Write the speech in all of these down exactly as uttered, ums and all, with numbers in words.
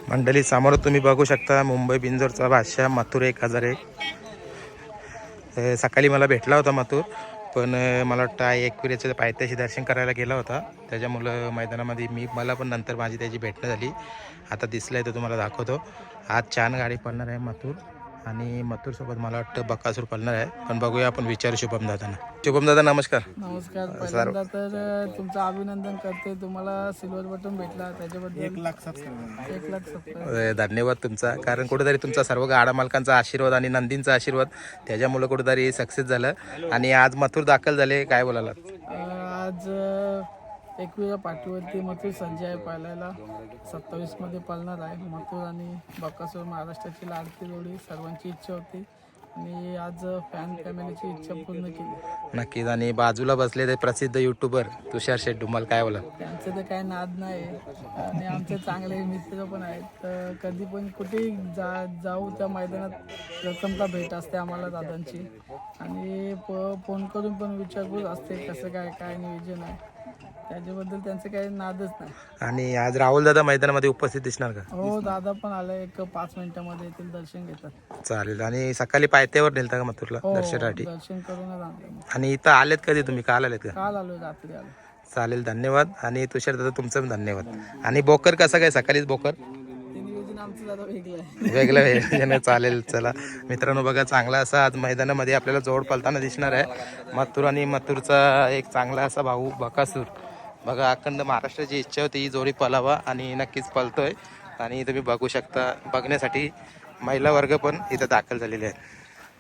मंडळी समोर तुम्ही बघू शकता मुंबई बिंजोरचा बादशाह मथुर एक हजार एक. सकाळी मला भेटला होता मथुर, पण मला वाटतं आई एकविरेच्या पायथ्याशी दर्शन करायला गेला होता, त्याच्यामुळं मैदानामध्ये मी मला पण नंतर माझी त्याची भेटणं झाली. आता दिसलं आहे तर तुम्हाला दाखवतो. आज छान गाडी पळणार आहे मथुर, आणि मथुरसोबत मला वाटतं बकासूर पळणार आहे. पण बघूया, आपण विचारू शुभम दादांना. शुभम दादा नमस्कार. नमस्कार. पहिल्यांदा तर तुमचं अभिनंदन करते, तुम्हाला सिल्वर बटन भेटला त्याच्याबद्दल एक लाख सबस्क्राईबर एक लाख सबस्क्राईबर धन्यवाद तुमचा. कारण कुठेतरी तुमचा सर्व गाडा मालकांचा आशीर्वाद आणि नंदींचा आशीर्वाद त्याच्यामुळे कुठेतरी सक्सेस झालं. आणि आज मथुर दाखल झाले, काय बोलाला? आज एकविरा पाठीवरती मथुर संजय आहे पाहायला. सत्तावीस मध्ये पळणार आहे मथुर आणि बकासूर. महाराष्ट्राची लाडकी जोडी, सर्वांची इच्छा होती आणि आज फॅन फॅमिलीची इच्छा पूर्ण केली. नक्कीच. आणि बाजूला बसले ते प्रसिद्ध युट्यूबर तुषार शेठ डुमाल, काय बोला? त्यांचं तर काय नाद नाही आणि आमचे चांगले मित्र पण आहेत. तर कधी पण कुठेही जा जाऊ त्या मैदानात प्रथमता भेट असते आम्हाला दादांची, आणि प फोन करून पण विचारपूस असते कसं काय काय नियोजन आहे, त्याच्याबद्दल त्यांचं काही नादच नाही. आणि आज राहुल दादा मैदानामध्ये उपस्थित दिसणार का? हो, दादा पण आला, एक पाच मिनिटामध्ये येथील दर्शन घेतात. चालेल. आणि सकाळी पायथ्यावर नेलता का मथुरला हो, दर्शनासाठी? दर्शन करूनच आणलं. आणि इथं आलेत कधी तुम्ही? काल आलेत का? काल आलो, रात्री आलो. चालेल, धन्यवाद. आणि तुषार दादा तुमचं पण धन्यवाद. आणि बोकर कसं काय? सकाळीच बोकर ते नियोजन आमचं दादा वेगळं आहे. वेगळं वेगळं चालेल. चला मित्रांनो, बघा चांगला असा आज मैदानामध्ये आपल्याला जोड पळताना दिसणार आहे. मथुर आणि मथुरचा एक चांगला असा भाऊ बकासूर. बघा, अखंड महाराष्ट्राची इच्छा होती ही जोडी पळावा, आणि नक्कीच पळतोय. आणि तुम्ही बघू शकता, बघण्यासाठी महिला वर्ग पण इथं दाखल झालेले आहेत.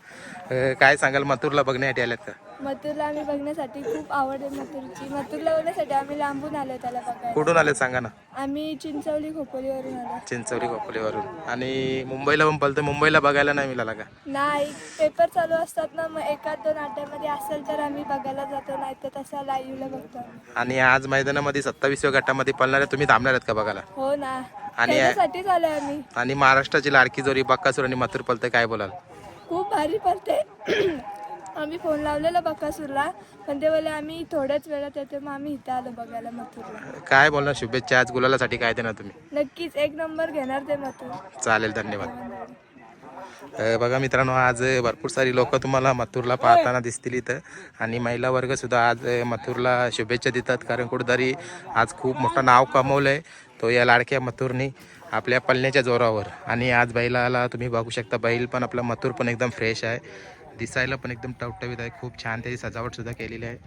काय सांगाल, मथुरला बघण्यासाठी आल्यात का? मथुरला आम्ही बघण्यासाठी खूप आवड आहे मथुरची. मथुरला बघण्यासाठी आम्ही लांबून आलो त्याला बघायला. कुठून आले सांगा ना? आम्ही चिंचवली खोपोलीवरून आलो. चिंचवली खोपोलीवरून. आणि मुंबईला पण पळतोय, मुंबईला बघायला नाही मिळाला का? नाही, पेपर चालू असतात ना, मग एकाच दोन अड्ड्यामध्ये असेल तर आम्ही बघायला जातो, नाही तर तसं लाईव्हला बघतो. आणि आज मैदानामध्ये सत्तावीसव्या गटामध्ये पळणार आहे, तुम्ही थांबणार आहेत का बघायला? हो ना, आणि त्याच्यासाठीच आलोय आम्ही. आणि महाराष्ट्राची लाडकी जोडी बकासूर आणि मथुर पळतंय, काय बोलाल? खूप भारी पडते. आम्ही फोन लावलेला बकासूरला, पण ते बोले आम्ही थोड्याच वेळात येतो, मग आम्ही इथं आलो बघायला मथुरला. काय बोलणार? शुभेच्छा. आज गुलालासाठी काय देणार तुम्ही? नक्कीच एक नंबर घेणार ते मथुर. चालेल, धन्यवाद. बघा मित्रांनो, आज भरपूर सारी लोक तुम्हाला मथुरला पाहताना दिसतील इथं, आणि महिला वर्ग सुद्धा आज मथुरला शुभेच्छा देतात. कारण कुठेतरी आज खूप मोठं नाव कमवलंय तो या लाडक्या मथुरने आपल्या पळण्याच्या जोरावर. आणि आज बैलाला तुम्ही बघू शकता, बैल पण आपला मथुर पण एकदम फ्रेश आहे, दिसायला पण एकदम टवटवीत आहे. खूप छान त्याची सजावट सुद्धा केलेली आहे.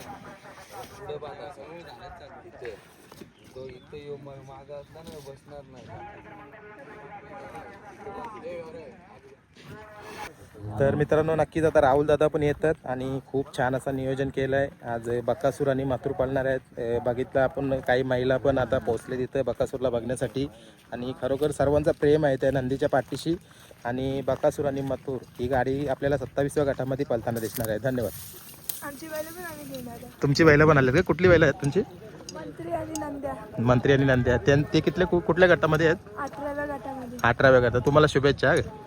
तर मित्रांनो, नक्कीच आता राहुल दादा पण येतात, आणि खूप छान असं नियोजन केलं आहे. आज बकासूर आणि मथुर पळणार आहेत. बघितलं आपण, काही महिला पण आता पोहोचले तिथं बकासूरला बघण्यासाठी, आणि खरोखर सर्वांचा प्रेम आहे त्या नंदीच्या पाठीशी. आणि बकासूर आणि मथुर ही गाडी आपल्याला सत्तावीसव्या गटामध्ये पळताना दिसणार आहे. धन्यवाद. आमची बैल पण आम्ही घेऊन आलो. तुमची बैलं पण आले का? कुठली बैलं आहेत तुमची? मंत्री आणि नंद्या. मंत्री आणि नंद्या. ते कितल्या कुठल्या गटामध्ये आहेत? अठराव्या गटामध्ये. अठराव्या गटात. तुम्हाला शुभेच्छा.